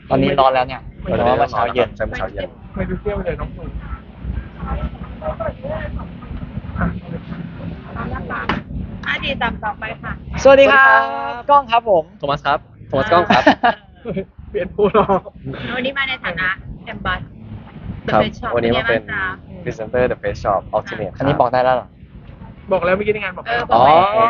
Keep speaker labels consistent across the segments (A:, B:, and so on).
A: ตอนนี้ร้อนแล้วเนี่ยแต่ว่าเมื่อเช้าเย็น
B: ใช่เมื่อเช้าเย็น
C: ไม่ดูเที่ยวเลยน้องหนู
D: ดีตามต่อไปค่ะ
A: สวัสดีครับกล้องครับผม
B: โทมัสครับโทมัสกล้องครับ
C: เปลี่ยนผู้รอ
D: วันนี้มาในฐานะแอมบัส
B: ครับวันนี้มาเป็นพรีเซนเตอร์ The Face Shop Ultimate
A: อันนี้บอกได้แล้วเหรอ
C: บอกแล้วเมื่อกี้ในงานบอกแล้ว
B: อ๋อ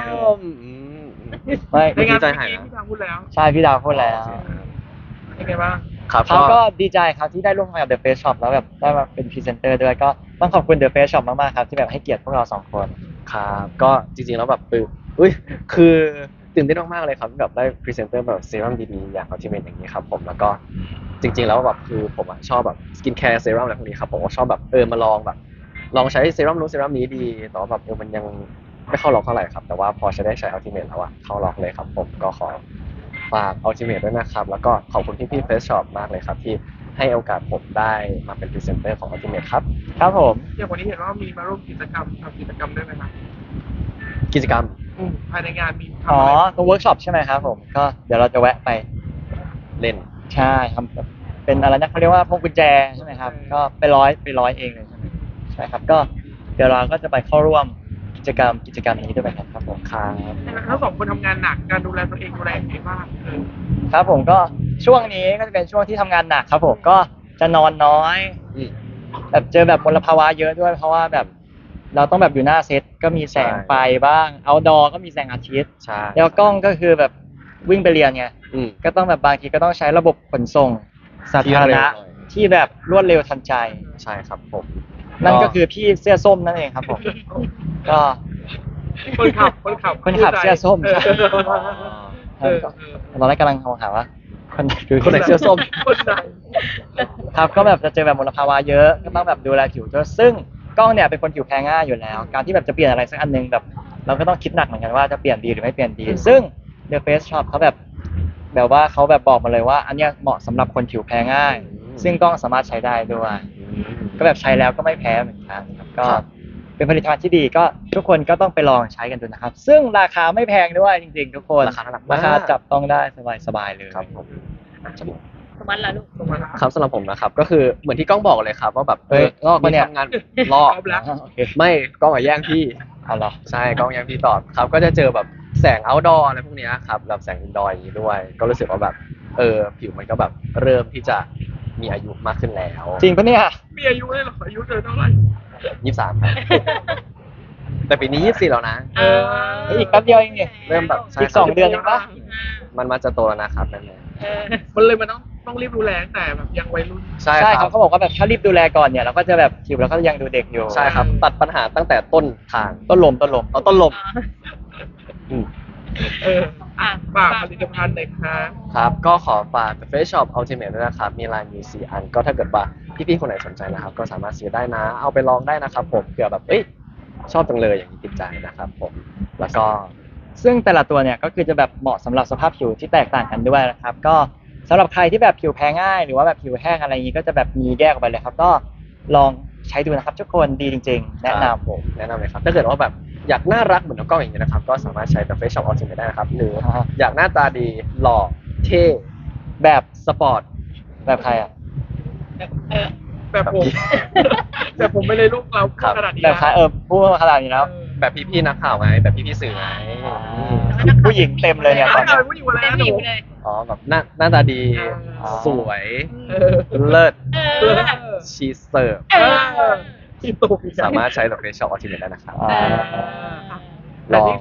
A: ไม่
C: ในงาน
B: ดีใจ
C: เมื่อ
B: หาย
C: กี้
B: นะ
C: พี่ทางพูดแล้ว
A: ใช่พี่ดาวพูดแล้ว
C: เป็นไงบ้าง
B: ครับ
A: เขาก็ดีใจครับที่ได้ร่วมงานกับ The Face Shop แล้วแบบได้มาเป็นพรีเซนเตอร์ด้วยก็ต้องขอบคุณ The Face Shop มากๆครับที่แบบให้เกียรติพวกเราสองคน
B: ครับก็จริงๆแล้วแบบอุ้ยคือตื่นเต้นมากๆเลยครับที่แบบได้พรีเซนเตอร์แบบเซรั่มดีๆอย่าง Ultimate อย่างนี้ครับผมแล้วก็จริงๆแล้วแบบคือผมอะชอบแบบสกินแคร์เซรั่มอะไรพวกนี้ครับผมก็ชอบแบบมาลองแบบลองใช้เซรั่มนู้นเซรั่มนี้ดีแต่ว่าแบบมันยังไม่เข้าล็อกเท่าไหร่ครับแต่ว่าพอจะได้ใช้ Ultimate แล้วอะเข้าล็อกเลยครับผมก็ขอฝาก Ultimate ด้วยนะครับแล้วก็ขอบคุณพี่ๆ Face Shop มากเลยครับที่ให้โอกาสผมได้มาเป็นพรีเซนเตอร์ของ Ultimate ครับ
A: ครับผม
C: อย่างวันนี้เห็นว่ามีมาร่วมกิจกรรมทำกิจกรรมด้วยไหมครับ
B: กิจกรรม
C: ภายในงานมีทำ
A: อ๋อ
C: อะไร
A: ตัวเวิร์กช็อปใช่ไหมครับผมก็เดี๋ยวเราจะแวะไป
B: เล่น
A: ใช่ครับแบบเป็นอะไรนะเขาเรียกว่าพวงกุญแจใช่ไหมครับก็ไปร้อยเองเลยใช่ไหมใช่ครับก็เดี๋ยวเราก็จะไปเข้าร่วมกิจกรรมนี้ด้วยกันครับผมครับ
C: ทั้งสองคนทำงานหนักการดูแลตัวเองดูแลยังไงบ้าง
A: ครับผมก็ช่วงนี้ก็จะเป็นช่วงที่ทำงานหนักครับผมก็จะนอนน้อย
B: อืม
A: แบบเจอแบบมลภาวะเยอะด้วยเพราะว่าแบบเราต้องแบบอยู่หน้าเซตก็มีแสงไฟบ้างเอาดอก็มีแสงอาทิตย์
B: ใช่
A: แล้วกล้องก็คือแบบวิ่งไปเรียนไง
B: อืม
A: ก็ต้องแบบบางทีก็ต้องใช้ระบบขนส่งสาธารณะ
B: ที่เร็วหน่อย
A: ที่แบบรวดเร็วทันใจ
B: ใช่ครับผม
A: นั่นก็คือพี่เสื้อส้มนั่นเองครับผมก็
C: คนขับ
A: คนขับเสื้อส้มใช่
C: เออ
A: ตอนแรกกำลังหาว่าคนไหนคือ
B: คนไหนเสื้อส้ม
C: คนไหน
A: ครับก็แบบจะเจอแบบมลภาวะเยอะก็ต้องแบบดูแลผิวด้วยซึ่งกล้องเนี่ยเป็นคนผิวแพ้ง่ายอยู่แล้ว การที่แบบจะเปลี่ยนอะไรสักอันนึงแบบ เราก็ต้องคิดหนักเหมือนกันว่าจะเปลี่ยนดีหรือไม่เปลี่ยนดี ซึ่ง The Face Shop เขาแบบว่าเขาแบบบอกมาเลยว่า อันเนี้ยเหมาะสำหรับคนผิวแพ้ง่าย ซึ่งกล้องสามารถใช้ได้ด้วย ก็แบบใช้แล้วก็ไม่แพ้เหมือนกันครับก็
B: ครับ
A: เป็นผลิตภัณฑ์ที่ดีก็ทุกคนก็ต้องไปลองใช้กันดูนะครับ ซึ่งราคาไม่แพงด้วยจริงๆ ทุกคน
B: ราคาน่ารักมาก
A: ราคาจับต้องได้สบายๆเลย
B: ครับผม
D: สมัติละลูก
B: ครับสำหรับผมนะครับก็คือเหมือนที่กล้องบอกเลยครับว่าแบบ
A: เฮ้ยลอกปะเนี่ย
B: ทำงานลอก
C: เอาละ
A: โอเค
B: ไม่กล้องอะแย่งพี่
A: เอาเหรอ
B: ใช่กล้องแย่งพี่ตอบครับก็จะเจอแบบแสง outdoor อะไรพวกเนี้ยครับแบบแสง indoor อย่างนี้ด้วย ก็รู้สึกว่าแบบผิวมันก็แบบเริ่มที่จะมีอายุมากขึ้นแล้ว
A: จริงปะเนี่ย
C: มีอายุเลยเหรออายุเธอเท่าไหร่
B: 23ครับแต่ปีนี้24แล้วนะ
D: เออ
A: อีกแป๊บเดียวเองเนี่ย
B: เริ่มแบบใช่
A: อีก2 เดือนเองปะ
B: มันมาจะโตแล้วนะครับนั่นเอง
D: เออ
C: มันเลยมันต้องรีบดูแลตั้งแต่แบบยังวัยรุ่น
B: ใช่
A: ใช่
B: ค
A: ค
B: รั
A: รับบ เขาบอกว่าแบบถ้ารีบดูแลก่อนเนี่ยเราก็จะแบบผิวเราก็ยังดูเด็กอยู่
B: ใช่ครับ ตัดปัญหาตั้งแต่ต้นทาง
A: ต้นลม
B: เอาต้นลมอืม
C: ฝากผลิตภัณฑ์หน่อยครับ
B: ครับก็ขอฝาก The Face Shop Ultimate ด้วยนะครับ มีลายมี4 อัน ก็ถ้าเกิดว่าพี่ๆคนไหนสนใจนะครับ ก็สามารถซื้อได้นะ เอาไปลองได้นะครับผมเผื่อแบบชอบจังเลยอย่างนี้ติดใจนะครับผม แล้วก็
A: ซึ่งแต่ละตัวเนี่ยก็คือจะแบบเหมาะสำหรับสภาพผิวที่แตกต่างกันด้วยนะครับก็สำหรับใครที่แบบผิวแพ้ง่ายหรือว่าแบบผิวแห้งอะไรอย่างนี้ก็จะแบบมีแยกออกไปเลยครับก็ลองใช้ดูนะครับทุกคนดีจริงๆ แนะนำ
B: ผมแนะนำเลยครับ ถ้าเกิดว่าแบบอยากน่ารักเหมือนน้องกล้องอย่างนี้นะครับ ก็สามารถใช้ The Face Shop Ultimate ได้นะครับ หรืออยากหน้าตาดีหล่อเท่
A: แบบ
B: สปอร์ต
A: แบบใครอ่ะ
D: เออ
C: แบบผมแต่ผมไม่เลยลูกเราพูดขนาดนี้
A: แบบใครพูดมาขนาดนี้แล้ว
B: แบบพี่ๆนักข่าวไงแบบพี่ๆสื่อไง
A: ผู้หญิงเต็มเลยเนี่ยตอน
C: เอา
A: นี้
C: ผู้หญิงมา
D: เต็
C: แล้
D: ม
C: วห
D: ผิ
C: นู
D: วเลย
B: อ๋อแบบหน้าตาดี
A: อ๋อ
B: สวย
C: เออ
B: เลิศ
D: เออ
B: ชีสเสิร์ฟ
D: เออ
C: ที่ตุก
B: สามารถใช้ The Face Shop Ultimate ได้นะครับ
A: อ่า
B: ลอง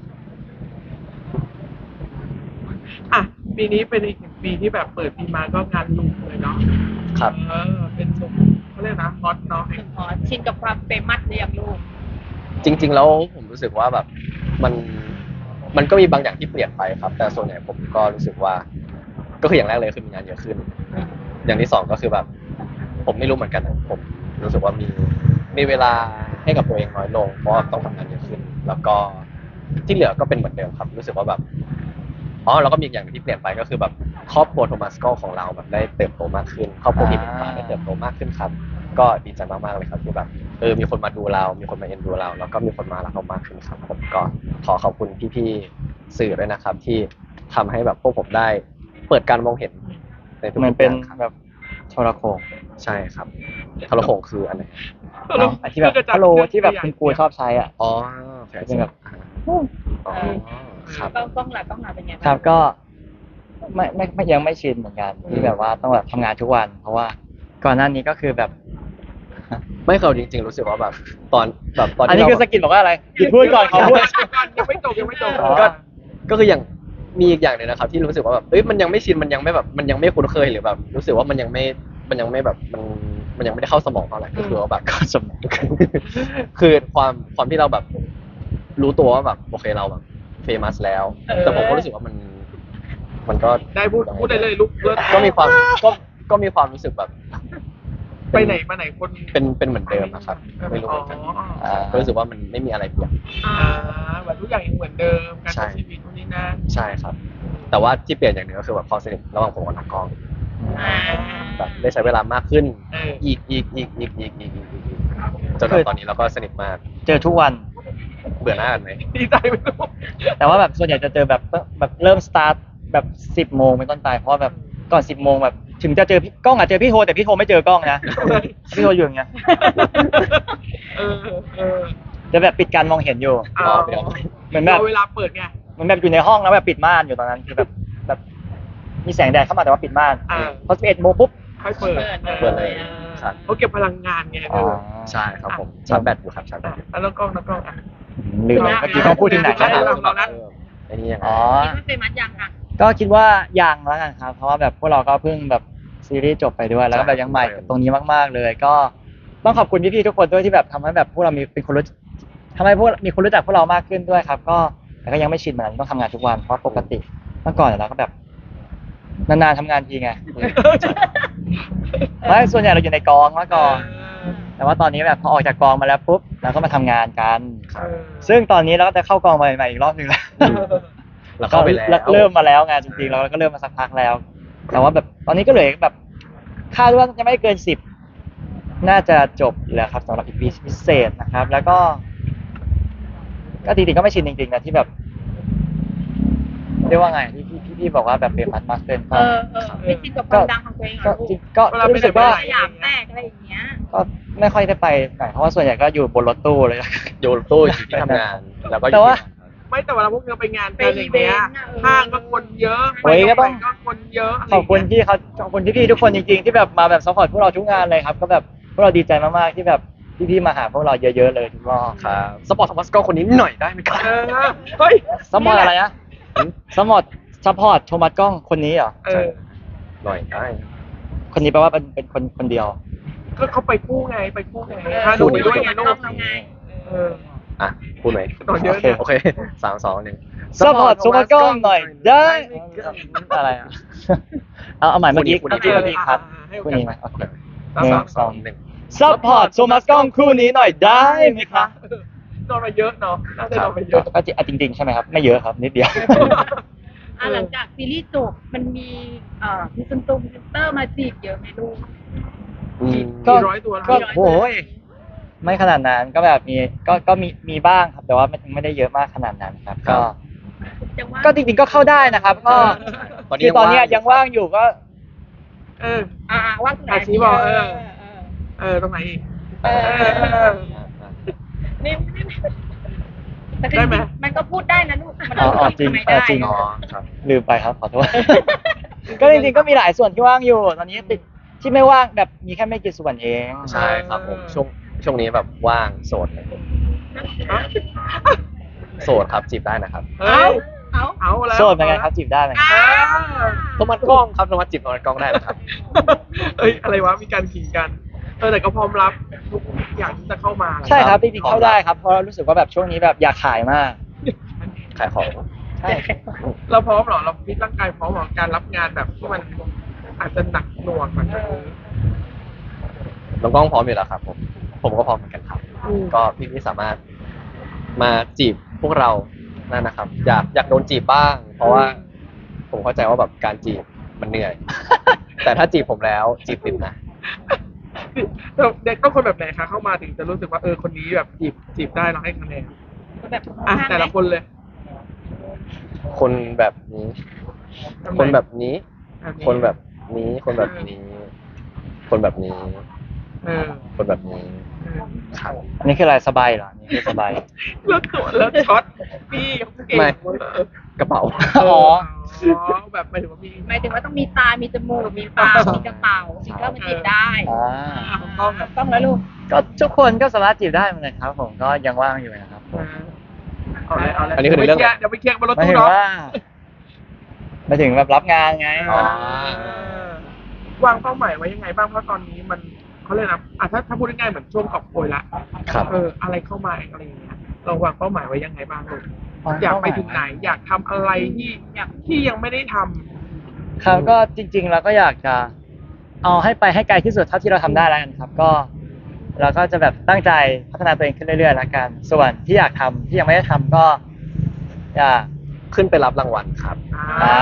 C: ปีนี้เป็นอีกหนึ่งปีที่แบบเปิดปีมาก็งานลุมเลยเนาะ
B: ครับ
C: เป็นชมเขาเรียกนะฮอตเนาะ
D: ขอชินกับความเฟมัสหรือยังลูก
B: จริงๆแล้วผมรู้สึกว่าแบบมันก็มีบางอย่างที่เปลี่ยนไปครับ แต่ส่วนใหญ่ผมก็รู้สึกว่า ก็คืออย่างแรกเลยคือมีงานเยอะขึ้น อย่างที่สองก็คือแบบ ผมไม่รู้เหมือนกันนะผมรู้สึกว่ามีเวลาให้กับตัวเองน้อยลงเพราะว่าต้องทำงานเยอะขึ้น แล้วก็ที่เหลือก็เป็นเหมือนเดิมครับ รู้สึกว่าแบบแล้วก็มีอย่างหนึ่งที่เปลี่ยนไปก็คือแบบครอบครัวโทมัสก็ของเราแบบได้เติบโตมากขึ้นครอบครัวที่เป็นฟ้าได้เติบโตมากขึ้นครับ ก็ดีใจมากๆเลยครับที่แบบมีคนมาดูเรา มีคนมาเอ็นดูเรา แล้วก็มีคนมารักเรามากขึ้นครับผมก็ขอขอบคุณพี่ๆสื่อด้วยนะครับ ที่ทำให้แบบพวกผมได้เปิดการมองเห็นในทุก
A: เหมือน
B: ๆ
A: เป็น
B: อย่างครับ
A: แบบโทรโขง
B: ใช่ครับทรโขงคืออันไหน
A: ไอ้ที่แบบฮัลโหลที่แบบคุณครูชอบใช้อ่ะ
B: อ๋อแผล
A: เป็นแบบ
B: อ๋อครับ
D: กล้องหลักเป็นไง
A: ครับก็ไม่ยังไม่ชินเหมือนกันที่แบบว่าต้องแบบทำงานทุกวัน เพราะว่าก่อนหน้านี้ก็คือแบบ
B: ไม่เคยจริงๆรู้สึกว่าแบบตอน
A: อัน
B: ที่
A: นี้
B: เรา
A: คือสกิลบอกว่าอะไรหยุดพูดก่อนขอพูด
C: ยังไม่จบยังไม่จบ
A: อ๋อ
B: ก็คืออย่างมีอีกอย่างหนึ่งนะครับ ที่รู้สึกว่าแบบเอ้ยมันยังไม่ชินมันยังไม่แบบมันยังไม่คุ้นเคยหรือแบบรู้สึกว่ามันยังไม่แบบมันยังไม่ได้เข้าสมองเท่าไหร่ก็คือว่าแบบ
A: เข้าสมอง
B: คือความที่เราแบบรู้ตัวว่าแบบโอเคเราแบบเฟมัสแล้ว แต่ผมก็รู้สึกว่ามันก็
C: ได้พูดได้เลยลูกเลิศ
B: ก็มีความก็มีความรู้สึกแบบ
C: ไปไหนมาไหนคน
B: เป็นเหมือนเดิมนะครับไม่รู้เหมือนกัน ก็รู้สึกว่ามันไม่มีอะไรเปลี่ยน
C: แบบทุกอย่างยังเหมือนเดิมการ
B: ใช่
C: ใช้ชีวิตทุกนี้นั่น
B: ใช่ครับ แต่ว่าที่เปลี่ยนอย่างหนึ่งก็คือแบบความสนิทระหว่างผมกับน้องกล้องแบบได้ใช้เวลามากขึ้น อีกจนแบบตอนนี้เราก็สนิทมาก
A: เจอทุกวัน
B: เบื่อหน้ากันไหม
C: ดีใจไม่รู้
A: แต่ว่าแบบส่วนใหญ่จะเจอแบบเริ่มสตาร์ทแบบ10 โมงเป็นต้นไปเพราะว่าแบบก่อน10 โมงแบบถึงจะเจอพี่กล้องอาจเจอพี่โทแต่พี่โทไม่เจอกล้องนะพี่โทอยู่อย่างเงี้ย
C: เออ
A: จะแบบปิดการมองเห็นอยู่
C: เอา
A: เหมือนแบบ
C: เวลาเปิดไง
A: เหมือนแบบอยู่ในห้องแล้วแบบปิดม่านอยู่ตอนนั้นคือแบบมีแสงแดดเข้ามาแต่ว่าปิดม่าน
C: อ่า
A: พอ11 โมงปุ๊บ
C: ค่อยเปิด
B: เปิดเลยครับ
C: เขาเก็บพลังงานไง
A: อ๋อ
B: ใช่ครับผมชาร์จแบตอยู่ครับชาร์จแบตอยู่
C: แล้วกล้องอ่ะ
A: ลืมไปเมื่อกี้เขาพูดถึงไหน
C: ใช่
A: นะ
C: เรานะ
B: ไอ้นี่ยังไง
A: อ๋อ
D: คิดว่าเฟมัสยังอ่ะ
A: ก็คิดว่ายังแล้วกันครับ เพราะว่าแบบพวกเราก็เพิ่งแบบซีรีส์จบไปด้วยแล้วก็แบบยังใหม่กับตรงนี้มากๆเลย ก็ต้องขอบคุณพี่ๆทุกคนด้วยที่แบบทำให้แบบพวกเรามีเป็นคนรู้ทำให้พวกมีคนรู้จักพวกเรามากขึ้นด้วยครับ ก็แต่ก็ยังไม่ชินเหมือนกันต้องทำงานทุกวันเพราะปกติเมื่อก่อนเราก็แบบนานๆทำงานทีไงไม่ส่วนใหญ่เราอยู่ในกองเมื่อก่อน แต่ว่าตอนนี้แบบพอออกจากกองมาแล้วปุ๊บเราก็มาทำงานกัน ซึ่งตอนนี้เราก็จะเข้ากองใหม่ๆอีกรอบหนึ่งแล้ว
B: เราเข้าไปแล้ว
A: เริ่มมาแล้วไงจริงๆเราก็เริ่มมาสักพักแล้ว แต่ว่าแบบตอนนี้ก็เหลือแบบคาดว่าจะไม่เกิน10น่าจะจบแล้วครับสำหรับอีพีพิเศษนะครับ แล้วก็จริงๆก็ไม่ชินจริงๆนะที่แบบเรียกว่าไงที่พี่บอกว่าแบบเป็นมากขึ้นก็
D: ไม่ชินกับความดังของตัวเองเหร
A: ก็
D: อลู
A: จริ
D: ก
A: งก็รู้สึกว่า
D: สยามแตกอะไรอย่างเงี้ย
A: ก็ไม่ค่อยได้ไปไหนเพราะว่าส่วนใหญ่ก็อยู่บนรถตู้เลย
B: โยนตู้อยู่ที่ทำงานแล้วก็อยู่
A: แต่ว่า
B: ที่
C: ไม่แต่เวลาพวกเราไปงานกันอย่างเงี้ย
D: ไปอีเวนต์อะ
C: ห้างก็คนเยอะ
A: โอ้ยก็ต้อง
C: ก็คนเยอะ
A: ขอบคุณพี่เขาขอบคุณพี่ๆทุกคนจริงๆที่แบบมาแบบซัพพอร์ตพวกเราทุกงานเลยครับ ก็แบบพวกเราดีใจมากๆที่แบบพี่ๆมาหาพวกเราเยอะๆเลยทุกรอบ
B: ครับสปอร์ตทอมัสก็คนนี้หน่อยได้ไหมครับ
C: เฮ้ย
A: ซัพพอร์ตอะไรนะซัพพอร์ตโทมัสกล้องคนนี้เหรอ
B: หน่อยได้
A: คนนี้แปลว่าเป็นคนเดียว
C: ก็เขาไปคู่ไงพาหนูไปด้วยไงลูก เออ
B: อ่ะพูดไหม
C: ตอนเยอะ
A: โอเค
C: เนี่ย
B: โอเค3 2 1
A: ซัพพอร์ตโทมัสกล้องหน่อยได้อะไรอ่ะเอาใหม่เมื่อกี้ครับคู่นี้ไหมโอเค
C: สาม
A: 1 2 1ซัพพอร์ตโทมัสกล้องคู่นี้หน่อยได้ไหมครับ
C: นอนมาเยอะเนาะน่าจะนอนมาเยอะ
A: ก็จริงๆใช่ไหมครับไม่เยอะครับนิดเดียว
D: หลังจากซีรีส์จบมันมีพรีเซนเตอร์มาจีบเยอะไหมลูก
A: ก็
C: กี่ร้อยตัว
A: ก็โอ้ยไม่ขนาดนั้นก็แบบก็มีบ้างครับ แต่ว่าไม่ได้เยอะมากขนาดนั้นครับ
B: ครั
A: ก็
B: บ
A: ก็จริงๆก็เข้าได้นะครับ ก็คือตอนเนี้ยยังว่างอยู่ก็
C: เออ
D: ว่างตรงไหน
C: ชี้บอกตรงไหนอีก
D: นี่แต่
C: ได้ไหม
D: มันก็พูดได้นะลูกมัน
A: อ๋อจริง
D: ทำไมได้
A: จริง
B: อ๋อครับ
A: ลืมไปครับขอโทษ ก็จริงๆก็มีหลายส่วนที่ว่างอยู่ ตอนนี้ติดที่ไม่ว่างแบบมีแค่ไม่กี่ส่วนเอง
B: ใช่ครับผมช่วงนี้แบบว่างโสดเลยโสดครับจีบได้นะครับ
C: เอาแล้ว
A: โสดเป็นไงครับจีบได้ไหมครับ
B: โทมัสกล้องครับโทมัสจีบโทมัสกล้องได้นะครับ
C: เอ้ยอะไรวะมีการขิงกันแต่ก็พร้อมรับทุกอย่างที่จะเข้ามา
A: ใช่ครับจริงๆเข้าได้ครับเพราะรู้สึกว่าแบบช่วงนี้แบบอยากขายมาก
B: ขายของ
A: ใช่
C: เราพร้อมเหรอเราฟิตร่างกายพร้อมเหรอการรับงานแบบที่มันอาจจะหนักหน่วงกว่านี้
B: น้องกล้องพร้อมอยู่แล้วครับผมก็พร้อมเหมือนกันครับ ก็พี่ๆสามารถมาจีบพวกเรานั่นนะครับ อยากโดนจีบบ้าง เพราะว่าผมเข้าใจว่าแบบการจีบมันเหนื่อย แต่ถ้าจีบผมแล้วจีบติดนะ
C: เด็กต้องคนแบบไหนคะเข้ามาถึงจะรู้สึกว่าคนนี้แบบจีบได้เราให้คะแนน
D: แบบ
C: แต่ละคนเลย
B: คนแบบนี้ คนแบบนี้ คนแบบนี้ คนแบบนี้ คนแบบนี้
C: เออ
B: คนแบบนี้
C: เออ
B: ครับ
A: อันนี้คืออะไรสบายเหรออันนี่คือสบาย
C: แล้วตัวแล้วช็อตพี่เขาเก่ง
B: ไม่
C: เออก
B: ระเป๋า
A: อ๋อ
C: แบบหมายถึงว่ามี
D: หมายถึงว่าต้องมีตา มีจมูก มีปาก มีกระเป๋าถึงก็มาจีบได้
A: อ่า
C: ของกล้องแบบ
D: ต้องแล้วลูก
A: ก็ทุกคนก็สามารถจีบได้เหมือนกันครับผมก็ยังว่างอยู่นะครับผม
C: เอาเลยเอาเลย
B: อันนี้คือในเรื่อง
C: เดี๋ยวไปเคลียร์บนรถ
A: หมาย
C: ตู้
A: ถึง
C: เนาะ
A: ว่าหมายถึงแบบรับงานไง
B: อ๋อ
C: วางเป้าหมายไว้ยังไงบ้างเพราะตอนนี้มันเขาเลยกนะถ้าพูดง่ายๆเหมือนช่วงกอบโกยละ
B: ครับ
C: อะไรเข้ามาอะไรอย่างเงี้ยเราวางเป้าหมายไว้ยังไงบ้างลูกอยากไปถึงไหน อยากทำอะไรที่ยังไม่ได้ทำ
A: ครับก็จริงๆเราก็อยากจะเอาให้ไปให้ไกลที่สุดเท่าที่เราทำได้แล้วกันครับ ก็เราก็จะแบบตั้งใจพัฒนาตัวเองขึ้นเรื่อยๆแล้วกัน ส่วนที่อยากทำที่ยังไม่ได้ทำก็อยาก
B: ขึ้นไปรับรางวัลครับ
C: อ่า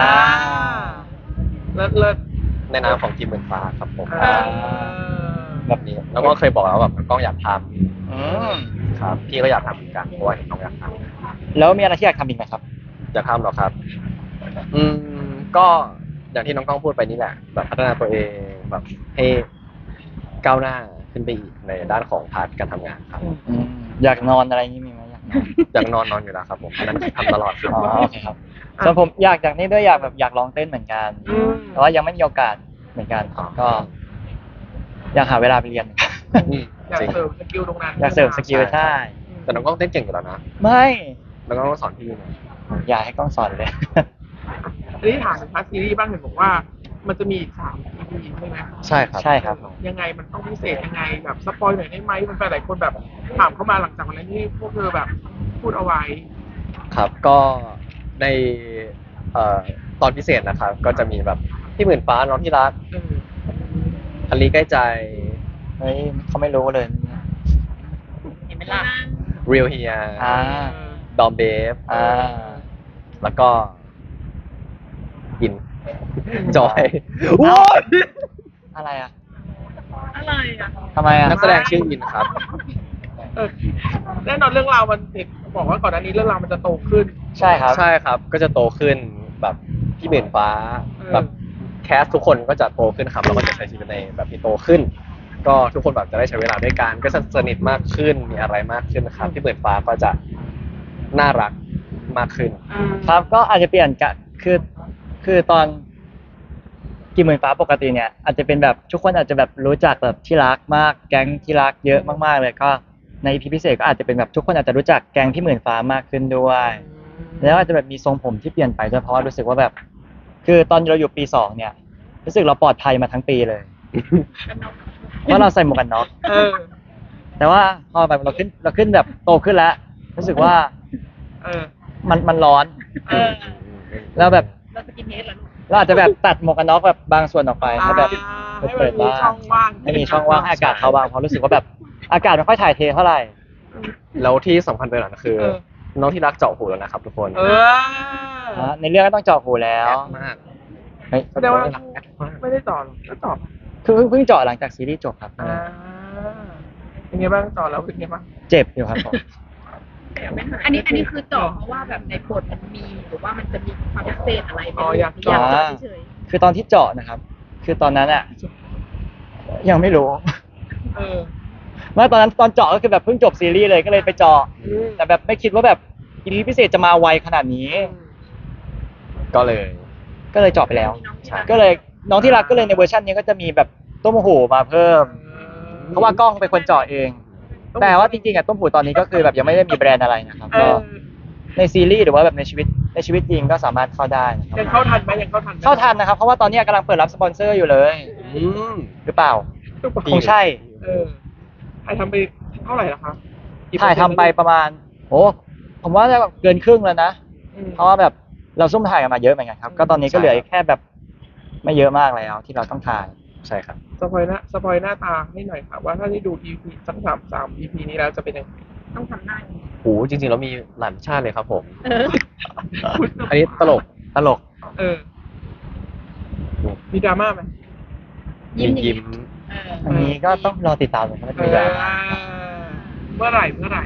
C: เลิศ
B: ในนามของทีมหมื่นฟ้าครับผม
C: อ่า
B: แบบนี้ แล้วก็เคยบอกแล้วว่าแบบกล้องอยากท
A: อืม
B: ำครับ พี่ก็อยากทำเหมือนกันเพราะว่าเห็นน้องอยากท
A: แล้วมีอะไรที่อยากทำอีกไหมครับ
B: ำอยากทำเหรอครับ ก็อย่างที่น้องกล้องพูดไปนี่แหละ แบบพัฒนาตัวเองแบบให้ก้าวหน้าขึ้นไปอีกในด้านของพาร์ทการทำงานครับ
A: อืมอยากนอนอะไรอย่างนี้มีไหมอยากนอน
B: อยากนอนอยู่แล้วครับผมอันนั้นทำตลอดครับ
A: อ๋อโอเคครับส่วนผมอยากนี่ด้วยอยากลองเต้นเหมือนกัน
C: อืม
A: แต่ว่ายังไม่มีโอกาสเหมือนกันก็ อยากหาเวลาไปเรียน
B: อืม
C: อยาก
B: จริง
C: เสริมสกิลตรงนั้น
A: อยากเสริมสกิลใช่
B: แต่น้องกล้องเต้นเก่งอยู่แล้วนะ
A: ไม่
B: น้องกล้องต้องสอนพี่นะ
A: อยากให้กล้องสอนเลย
C: อันนี้ถามถึงพาร์ทซีรีส์บ้างเห็นบอกว่า มันจะมีอีก3 EP ใช่ไหม
B: ใช่ครับ
A: ใช่ครับผม
C: ยังไงมันต้องพิเศษยังไงแบบสปอยหน่อยได้ไหมมันไปหลายคนแบบถามเข้ามาหลังจากวันนั้นที่พวกเธอแบบพูดเอาไว้
B: ครับก็ในตอนพิเศษนะครับ ก็จะมีแบบพี่หมื่นฟ้าน้องที่รัก
C: เออ
B: อลีใกล้ใจ
A: เฮ้ยเขาไม่รู้เลย
D: เห็นไหมล่ะ
B: เรียลเฮีย
A: อ่า
B: ดอมเบฟ
A: อ่า
B: แล้วก็อิน จอย
A: เอ้า
B: โอ้ย
A: อะไรอ่ะ
D: อะไรอ่ะ
A: ทำไมอ่ะ
B: นักแสดงชื่ออินครับ
C: เออแน่นอนเรื่องราวมันเห็นบอกว่าก่อนหน้านี้เรื่องราวมันจะโตขึ้น
A: ใช่ครับ
B: ใช่ครับ ก็จะโตขึ้นแบบพี่หมื่นฟ้า
C: เออ
B: แบบแคสทุกคนก็จะโตขึ้นครับแล้วก็จะใช้ชีวิตในแบบที่โตขึ้น ก็ทุกคนแบบจะได้ใช้เวลาด้วยกันก็จะสนิทมากขึ้นมีอะไรมากขึ้นครับพี่หมื่นฟ้าก็จะน่ารักมากขึ้น
A: ครับก็อาจจะเปลี่ยนกะคือตอนกี่หมื่นฟ้าปกติเนี่ยอาจจะเป็นแบบทุกคนอาจจะแบบรู้จักแบบที่รักมากแก๊งที่รักเยอะมากๆเลยก็ใน EP พิเศษก็อาจจะเป็นแบบทุกคนอาจจะรู้จักแก๊งพี่หมื่นฟ้ามากขึ้นด้วย แล้วอาจจะแบบมีทรงผมที่เปลี่ยนไปด้วยเพราะว่ารู้สึกว่าแบบ คือตอนเราอยู่ปี2เนี่ยรู้สึกเราปลอดภัยมาทั้งปีเลยเพราะเราใส่หมวกกันน็อก
C: เออ
A: แต่ว่าพอแบบเราขึ้นแบบโตขึ้นแล้ว รู้สึกว่า
C: เออ
A: มันร้อน
C: เออ
A: แล้วแบบ
D: เราสกินเฮดเหรอลูก
A: เราอาจจะแบบตัดหมวกกันน็อกแบบบางส่วนออกไปให้แบบ
C: ให้
A: เปิด
C: มันมี
A: บ้าง
C: ช่องว่าง
A: ให้มีช่องว่างให้อากาศเข้าบ้างเพราะรู้สึกว่าแบบอากาศไม่ค่อยถ่ายเทเท่าไหร่
B: แล้วที่สำคัญไปกว่านั้นคือ
C: เออ
B: น้องที่รักเจาะหูแล้วนะครับทุกคน
C: เออ
A: ในเรื่องก็ต้องเจาะหูแล้ว
B: แอดมาก
A: เฮ้ย
C: แสดงว่า
B: แอดมาก
C: ไม่ได้ต่อหรอกก็ต่อ
A: คือเพิ่งเจาะหลังจากซีรีส์จบครับ
C: เป็นไงบ้างต่อแล้วเป็นไงบ้าง
A: เจ็บอยู่ครับผม
D: อันนี้คือเจาะเพราะว่าแบบในบทมันมีหรือว่ามันจะมีความพิเศษอะไรไหม
C: อ๋ออยาก
D: อ
C: เจาะ
D: ยากเจาะเฉย
A: คือตอนที่เจาะนะครับ คือตอนนั้นอะยังไม่รู้
C: เออ
A: เมื่อตอนนั้นตอนเจาะก็คือแบบเพิ่งจบซีรีส์เลยก็เลยไปเจาะ แต่แบบไม่คิดว่าแบบอีพีพิเศษจะมาไวขนาดนี้
B: ก็เลย
A: ก็เลยเจาะไปแล้ว
D: ๆมีน้องที่รัก
A: ก็เลยน้องที่รักก็เลยในเวอร์ชันนี้ก็จะมีแบบต้มหูมาเพิ่ม เพราะว่ากล้องเป็นคนเจาะเอง แต่ว่าจริงๆอะต้มหูตอนนี้ก็คือแบบยังไม่ได้มีแบรนด์อะไรนะครับ
C: เอ
A: ก็
C: อ
A: ในซีรีส์หรือว่าแบบในชีวิตจริงก็สามารถเข้าได้นะครับ
C: ยังเข้าทันไหมยังเข้าทันไหม
A: เข้าทันนะครับ เพราะว่าตอนนี้กำลังเปิดรับสปอนเซอร์อยู่เลย
B: อืม
A: หรือเปล่าคงใช่
C: เออถ่ายทำไปเท่าไหร่ละครับ
A: ถ่ายทำไปประมาณโอ้ผมว่าจะแบบเกินครึ่งแล้วนะ เพราะว่าแบบเราซุ่มถ่ายกันมาเยอะเหมือนกันครับ ก็ตอนนี้ก็เหลือแค่แบบไม่เยอะมากแล้วที่เราต้องถ่าย
B: ใช่ครับ
C: สปอยหน้าตาให้หน่อยค่ะว่าถ้าได้ดู EP สัก3 EP นี้แล้วจะเป็นยังไง
D: ต้องทำหน้าอย่างนี้
B: โหจริงๆแล้วมีหลายชาติเลยครับผม
D: เออ
B: อันนี้ตลก
C: เออ มีดราม่าไหม
D: ยิ้ม
B: ยิ้ม
D: เออ
A: อันนี้ก็ต้องรอติดตามเลยครับ
C: เออเมื่อไหร่
A: เมื่อไหร่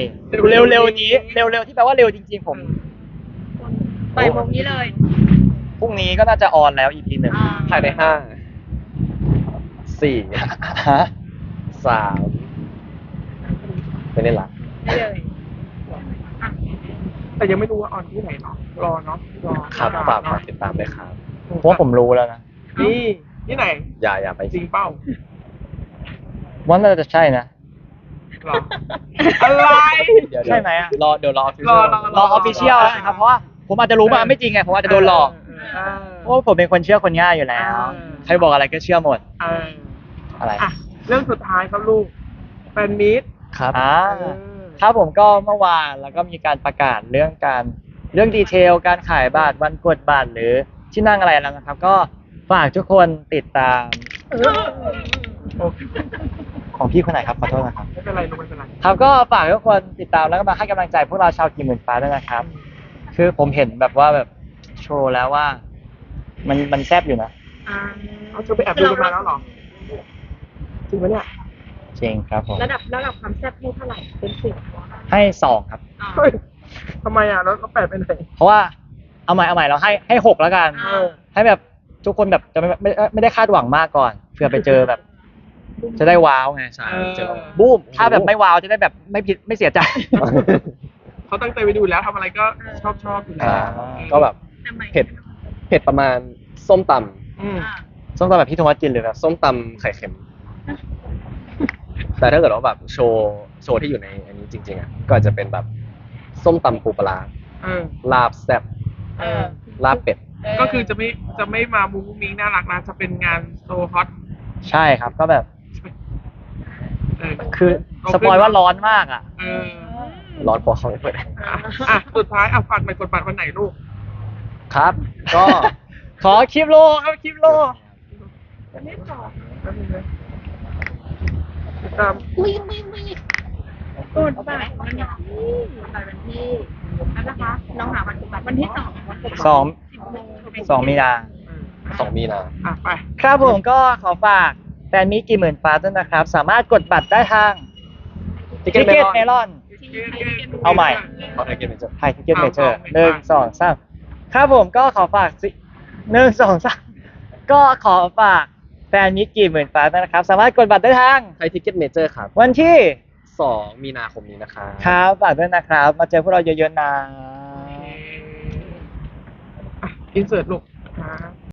A: เร็วๆนี้เร็วๆที่แปลว่าเร็วจริงๆผม
D: บ่ายโมงนี้เลย
A: พรุ่งนี้ก็น่าจะออนแล้ว EP หนึ่ง
B: ภายในห้าสี่
A: ฮะ
B: สามไม่ได้ละ
D: ได้เลยอ่ะ
C: แต่ยังไม่รู้ว่าออนที่ไหนเนาะรอเนาะรอ
B: ครับฝากติดตามด้วยครับ
A: เพราะว่าผมรู้แล้วนะ
C: นี่ที่ไหน
B: อย่าไป
C: จริงเป้า
A: ว่าน่าจะใช่นะ
C: หรออะไร
B: เดี๋ยว
A: ใช่ไหมอะ
B: เดี๋ยวรอ
C: รอ
A: รอออฟฟิเชียลแล้วนะครับเพราะว่าผมอาจจะรู้มาไม่จริงไงผมอาจจะโดนหลอก
C: เออ
A: เพราะว่าผมเป็นคนเชื่อคนง่ายอยู่แล้ว ใครบอกอะไรก็เชื่อหมด
C: เออ
A: อะไร
C: อ่ะเรื่องสุดท้ายครับลูกแฟนมีต
B: ครับ
A: ครับผมก็เมื่อวานแล้วก็มีการประกาศเรื่องดีเทลการขายบัตรวันกดบัตรหรือที่นั่งอะไรแล้วนะครับ ก็ฝากทุกคนติดตาม
C: โอเค
A: ของพี่คนไหนครับขอโทษนะครับ
C: ไม่เป็นไรลูกไม่เป็นไร
A: ครับก็ฝากทุกคนติดตามแล้วก็มาให้กำลังใจพวกเราชาวกี่หมื่นฟ้าด้วยนะครับ คือผมเห็นแบบว่าแบบโชว์แล้วว่า มันแซ่บอยู่นะ
D: อ่า
C: เอาเธอไปแอบดูกันมาแล้วเหรอจริงไหมเนี่ย
A: จริงครับผม
D: ระดับความแซ่บให้เท่าไหร่เป็น10
A: ให้2ครับ
D: อ่า
C: เฮ้ยทำไมอ่ะแล้วแปดไปไหน
A: เพราะว่าเอาใหม่เราให้6แล้วกัน
D: อ่า
A: ให้แบบทุกคนแบบจะไม่ได้คาดหวังมากก่อนเผื่อไปเจอแบบ จะได้ว้าวไง
B: ใช่เจอ
A: บูมถ้าแบบไม่ว้าวจะได้แบบไม่ผิดไม่เสียใจ
C: เขาตั้งใจไปดูแล้วทำอะไรก็ชอบอยู่แล้ว
B: ก็แบบ
D: ทำไม
B: เผ็ดประมาณส้มต
C: อืม
D: อ่า
A: ส้มตำแบบพี่โทมัสกินหรือแบบ
B: ำส้มตำไข่เค็ม แต่ถ้าเกิดว่าแบบโชว์ที่อยู่ในอันนี้จริงๆอ่ะก็อาจจะเป็นแบบส้มตำปูปลาร้า
C: เออ
B: ลาบแซ่บ
D: เออ
B: ลาบเป็ด
C: ก็คือจะไม่มามุ้งมิ้งน่ารักนะจะเป็นงานโซฮอต
A: ใช่ครับก็แบบ
C: เออ
A: คือสปอยว่าร้อนมากอ่ะ
C: เออ
B: ร้อนพอเขาไม่เปิด
C: อ่ะสุดท้ายอ่ะฝากในกดบัตรวันไหนลูก
B: ครับ ก็
A: ขอคลิปโลครับคลิปโล
C: วันนี้ต่อแป๊บนึงนะติดตาม
D: กดบัตรวันที่นั่นนะคะน้องหาวันกดบัตรวันที่2วันกดบัตร
A: สอง
D: 10 โมง
A: 2 มีนา
B: 2 มีนา
C: อ่ะไป
A: ครับผมก็ขอฝากแฟนมีกี่หมื่นฟ้าด้วยนะครับ สามารถกดบัตรได้ทาง
B: Ticket
A: Ticket
B: Melon
A: Melon เอาใหม่
B: เอาไอเกมเป็นจะ
A: ไทยทิเก็ตเมเจอร์1 2 3ครับผมก็ขอฝาก1 2 3ก็ขอฝากแฟนมิตรกี่หมื่นฟ้าด้วยนะครับ สามารถกดบัตรได้ทาง
B: ไทยทิกเก็ตเมเจอร์ครับ
A: วันที่
B: 2 มีนาคมนี้นะครับ
A: ครับฝากด้วยนะครับ มาเจอพวกเราเยอะๆนะ
C: อินเสิร์ตลูกครับ